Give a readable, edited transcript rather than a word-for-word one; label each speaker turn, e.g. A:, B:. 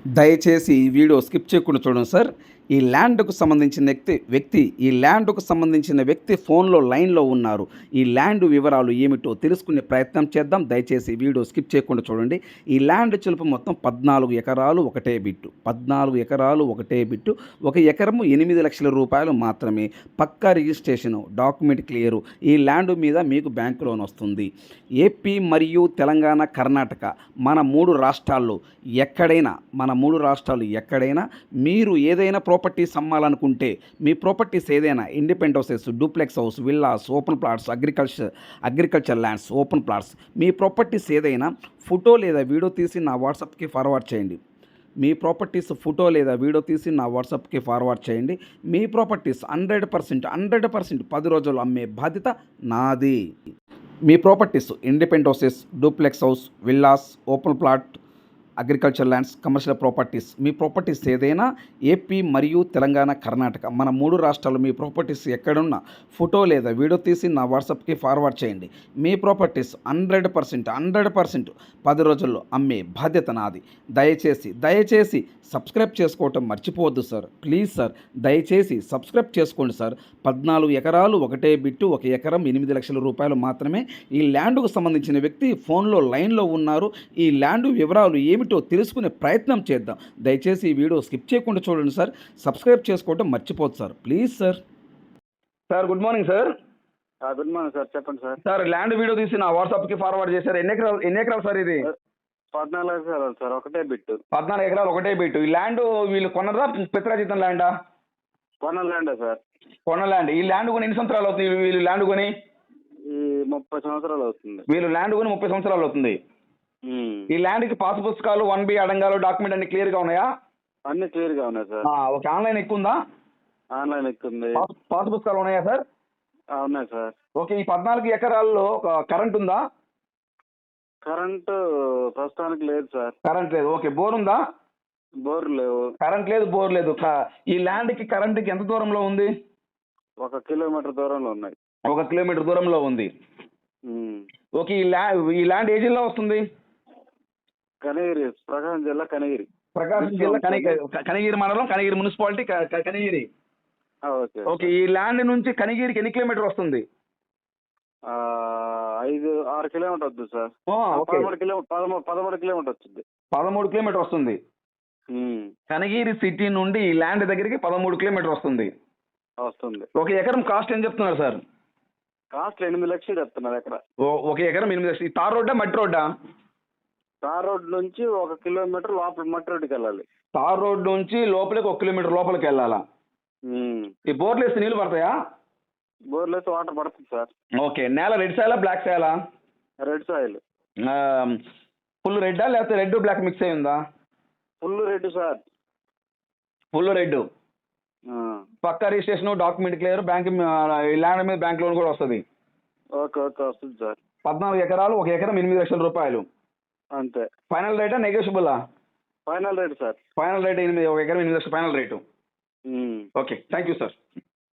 A: దయచేసి ఈ video skip చేయకుండా చూడండి సార్. ఈ ల్యాండ్‌కు సంబంధించిన వ్యక్తి ఫోన్‌లో లైన్‌లో ఉన్నారు. ఈ ల్యాండ్ వివరాలు ఏమిటో తెలుసుకునే ప్రయత్నం చేద్దాం. దయచేసి ఈ వీడియో స్కిప్ చేయకుండా చూడండి. ఈ ల్యాండ్ చిలుపు మొత్తం 14 ఎకరాలు ఒకటే బిట్టు. 14 ఎకరాలు ఒకటే బిట్టు. ఒక ఎకరము 8,00,000 రూపాయలు మాత్రమే. పక్కా రిజిస్ట్రేషను, డాక్యుమెంట్ క్లియరు. ఈ ల్యాండ్ మీద మీకు బ్యాంక్ లోన్ వస్తుంది. ఏపీ మరియు తెలంగాణ, కర్ణాటక మన 3 రాష్ట్రాల్లో ఎక్కడైనా మీరు ఏదైనా ప్రాపర్టీస్ అమ్మాలనుకుంటే, మీ ప్రాపర్టీస్ ఏదైనా independent houses, duplex house, villas, open plots, agriculture lands, open plots, మీ ప్రాపర్టీస్ ఏదైనా ఫోటో లేదా వీడియో తీసి నా వాట్సాప్కి ఫార్వర్డ్ చేయండి. మీ ప్రాపర్టీస్ ఫోటో లేదా వీడియో తీసి నా వాట్సాప్కి ఫార్వర్డ్ చేయండి. మీ ప్రాపర్టీస్ 100% 10 రోజుల్లో అమ్మే బాధ్యత నాది. మీ properties independent houses, duplex house, villas, open plot, agriculture lands, commercial properties, మీ ప్రాపర్టీస్ ఏదైనా ఏపీ మరియు తెలంగాణ, కర్ణాటక మన 3 రాష్ట్రాలు మీ ప్రాపర్టీస్ ఎక్కడున్నా ఫోటో లేదా వీడియో తీసి నా వాట్సాప్కి ఫార్వర్డ్ చేయండి. మీ ప్రాపర్టీస్ 100% 10 రోజుల్లో అమ్మే బాధ్యత నాది. దయచేసి సబ్స్క్రైబ్ చేసుకోవటం మర్చిపోవద్దు సార్. ప్లీజ్ సార్, దయచేసి సబ్స్క్రైబ్ చేసుకోండి సార్. 14 ఎకరాలు ఒకటే బిట్టు. ఒక ఎకరం 8,00,000 రూపాయలు మాత్రమే. ఈ ల్యాండ్కు సంబంధించిన వ్యక్తి ఫోన్లో లైన్లో ఉన్నారు. ఈ ల్యాండ్ వివరాలు ఏమిటో తెలుసుకునే ప్రయత్నం చేద్దాం. దయచేసి ఈ వీడియో స్కిప్ చేయకుండా చూడండి సార్. సబ్స్క్రైబ్ చేసుకోవటం మర్చిపోద్దు sir. Please sir. Sir good morning sir.
B: Good morning sir, చెప్పండి సార్.
A: సార్ ల్యాండ్ వీడియో తీసి నా వాట్సాప్కి ఫార్వర్డ్ చేశారు. ఎన్ని ఎకరాలు సార్ ఇది?
B: 14 ఎకరాలు సార్, ఒకటే బిట్టు.
A: 14 ఎకరాలు ఒకటే బిట్టు. ఈ ల్యాండ్ వీళ్ళు కొన్నదా, పిత్రాజితం ల్యాండా?
B: కొన్న ల్యాండే సార్.
A: కొన్న ల్యాండ్. ఈ ల్యాండ్ కొని ఎన్ని సంవత్సరాలు అవుతుంది? వీళ్ళు ల్యాండ్ కొని
B: ఈ 30 సంవత్సరాలు అవుతుంది.
A: వీళ్ళు ల్యాండ్ కొని 30 సంవత్సరాలు అవుతుంది. ఈ ల్యాండ్కి పాస్ పుస్తకాలు 1B అడంగాలు డాక్యుమెంట్ అన్ని క్లియర్గా ఉన్నాయా?
B: అన్ని క్లియర్ గా ఉన్నాయి సార్.
A: ఓకే. ఆన్లైన్ ఎక్కుందా?
B: ఆన్లైన్ ఎక్కుంది.
A: పాస్ పుస్తకాలు ఉన్నాయా సార్?
B: ఉన్నాయి సార్.
A: ఓకే. ఈ 14 ఎకరాల్లో కరెంట్ ఉందా?
B: కరెంటు ప్రస్తుతానికి లేదు సార్.
A: కరెంట్ లేదు. ఓకే. బోర్ ఉందా?
B: బోర్ లేవు.
A: కరెంట్ లేదు, బోర్ లేదు. ఈ ల్యాండ్కి కరెంట్కి ఎంత దూరంలో ఉంది?
B: 1 కిలోమీటర్ దూరంలో ఉన్నాయి.
A: 1 కిలోమీటర్ దూరంలో ఉంది. ఓకే. ఈ ల్యాండ్ ఏ జిల్లా వస్తుంది?
B: కనగిరి, ప్రకాశం జిల్లా కనగిరి.
A: ప్రకాశం జిల్లా కనగిరి మండలం, కనగిరి మున్సిపాలిటీ, కనగిరి. ఓకే. ఈ ల్యాండ్ నుంచి కనగిరికి ఎన్ని కిలోమీటర్ వస్తుంది?
B: 6 కిలోమీటర్ వస్తుంది సార్. 13 కిలోమీటర్ వచ్చింది.
A: 13 కిలోమీటర్ వస్తుంది. కనగిరి సిటీ నుండి ఈ ల్యాండ్ దగ్గరికి 13 కిలోమీటర్ వస్తుంది. ఒక ఎకరం కాస్ట్ ఏం చెప్తున్నారు సార్?
B: కాస్ట్ 8,00,000 చెప్తున్నారు ఎకరా.
A: ఒక ఎకరం 8,00,000. ఈ తార్ రోడ్డా, మట్టి రోడ్డా?
B: తార్ రోడ్ నుంచి 1 కిలోమీటర్ లోపల మట్టి రోడ్డుకి వెళ్ళాలి.
A: తార్ రోడ్ నుంచి లోపలికి 1 కిలోమీటర్ లోపలికి వెళ్ళాలా? ఈ బోర్లు వేస్తే నీళ్ళు పడతాయా?
B: బోర్లు వేస్తే వాటర్ పడుతుంది సార్.
A: ఓకే. నేల రెడ్ సాయిలా, బ్లాక్ సాయిలా?
B: Red soil.
A: ఫుల్ రెడ్డా లేకపోతే రెడ్ బ్లాక్ మిక్స్ అయి ఉందా?
B: Full red sir.
A: Full red. పక్కా registration, document clear, bank land మీద బ్యాంక్ లోన్ కూడా వస్తుంది.
B: ఓకే వస్తుంది సార్.
A: 14 ఎకరాలు, ఒక ఎకరం 8,00,000 రూపాయలు
B: అంతే.
A: ఫైనల్ రేటా, నెగోషియబులా?
B: Final rate sir.
A: Final rate 8, ఒక ఎకరం 8,00,000 final rate. Okay. Thank you sir.